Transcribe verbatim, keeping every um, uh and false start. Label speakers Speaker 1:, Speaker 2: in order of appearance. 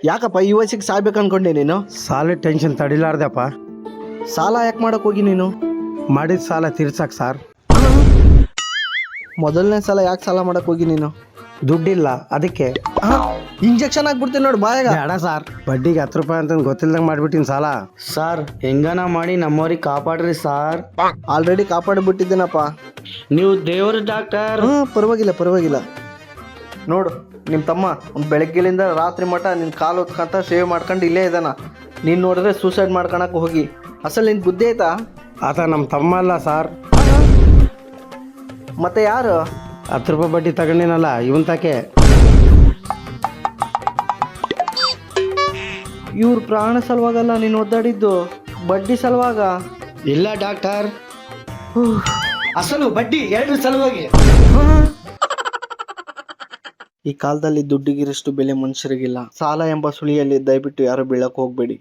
Speaker 1: ಯಾಕಪ್ಪ ಈ ವಯಸ್ಸಿಗೆ ಸಾಯ್ಬೇಕು ಅನ್ಕೊಂಡೆ ನೀನು?
Speaker 2: ಸಾಲ ಟೆನ್ಷನ್ ತಡಿಲಾರ್ದಪ್ಪ.
Speaker 1: ಸಾಲ ಯಾಕೆ ಮಾಡಕ್ ಹೋಗಿ ನೀನು?
Speaker 2: ಮಾಡಿದ ಸಾಲ ತೀರ್ಸಕ್ ಸರ್.
Speaker 1: ಮೊದಲನೇ ಸಲ ಯಾಕೆ ಸಾಲ ಮಾಡಕ್ ಹೋಗಿ ನೀನು?
Speaker 2: ದುಡ್ಡಿಲ್ಲ ಅದಕ್ಕೆ.
Speaker 1: ಇಂಜೆಕ್ಷನ್ ಹಾಕ್ಬಿಡ್ತೀನಿ ನೋಡಿ ಬಾಯಾಗ.
Speaker 2: ಬೇಡ ಸರ್, ಬಡ್ಡಿಗೆ ಹತ್ತು ರೂಪಾಯಿ ಅಂತ ಗೊತ್ತಿಲ್ದಂಗೆ ಮಾಡ್ಬಿಟ್ಟಿನಿ ಸಾಲ.
Speaker 3: ಸಾರ್ ಹೆಂಗನ ಮಾಡಿ ನಮ್ಮವ್ರಿಗೆ ಕಾಪಾಡ್ರಿ ಸಾರ್.
Speaker 1: ಆಲ್ರೆಡಿ ಕಾಪಾಡಿಬಿಟ್ಟಿದ್ದೀನಪ್ಪ.
Speaker 3: ನೀವು ದೇವ್ರ ಡಾಕ್ಟರ್.
Speaker 1: ಹಾ ಪರವಾಗಿಲ್ಲ ಪರವಾಗಿಲ್ಲ. ನೋಡು ನಿಮ್ಮ ತಮ್ಮ ಒಂದು ಬೆಳಗ್ಗೆಲಿಂದ ರಾತ್ರಿ ಮಠ ನಿನ್ನ ಕಾಲು ಹೊತ್ಕೊಂತ ಸೇವ್ ಮಾಡ್ಕೊಂಡು ಇಲ್ಲೇ ಇದ್ದಾನ. ನೀನು ನೋಡಿದ್ರೆ ಸೂಸೈಡ್ ಮಾಡ್ಕೊಳಕ್ಕೆ ಹೋಗಿ. ಅಸಲು ನಿನ್ ಬುದ್ಧಿ ಆಯ್ತಾ?
Speaker 2: ಆತ ನಮ್ಮ ತಮ್ಮ ಅಲ್ಲ ಸರ್.
Speaker 1: ಮತ್ತೆ ಯಾರು?
Speaker 2: ಹತ್ತು ರೂಪಾಯಿ ಬಡ್ಡಿ ತಗೊಂಡಿನಲ್ಲ ಇವನ್ ತಾಕೆ.
Speaker 1: ಇವ್ರ ಪ್ರಾಣ ಸಲುವಾಗಲ್ಲ ನೀನು ಒದ್ದಾಡಿದ್ದು, ಬಡ್ಡಿ ಸಲುವಾಗ.
Speaker 3: ಇಲ್ಲ ಡಾಕ್ಟರ್, ಅಸಲು ಬಡ್ಡಿ ಎರಡು ಸಲುವಾಗಿ.
Speaker 1: ಈ ಕಾಲದಲ್ಲಿ ದುಡ್ಡಿಗಿರಷ್ಟು ಬೆಲೆ ಮನುಷ್ಯರಿಗಿಲ್ಲ. ಸಾಲ ಎಂಬ ಸುಳಿಯಲ್ಲಿ ದಯವಿಟ್ಟು ಯಾರು ಬೀಳಕ್ ಹೋಗ್ಬೇಡಿ.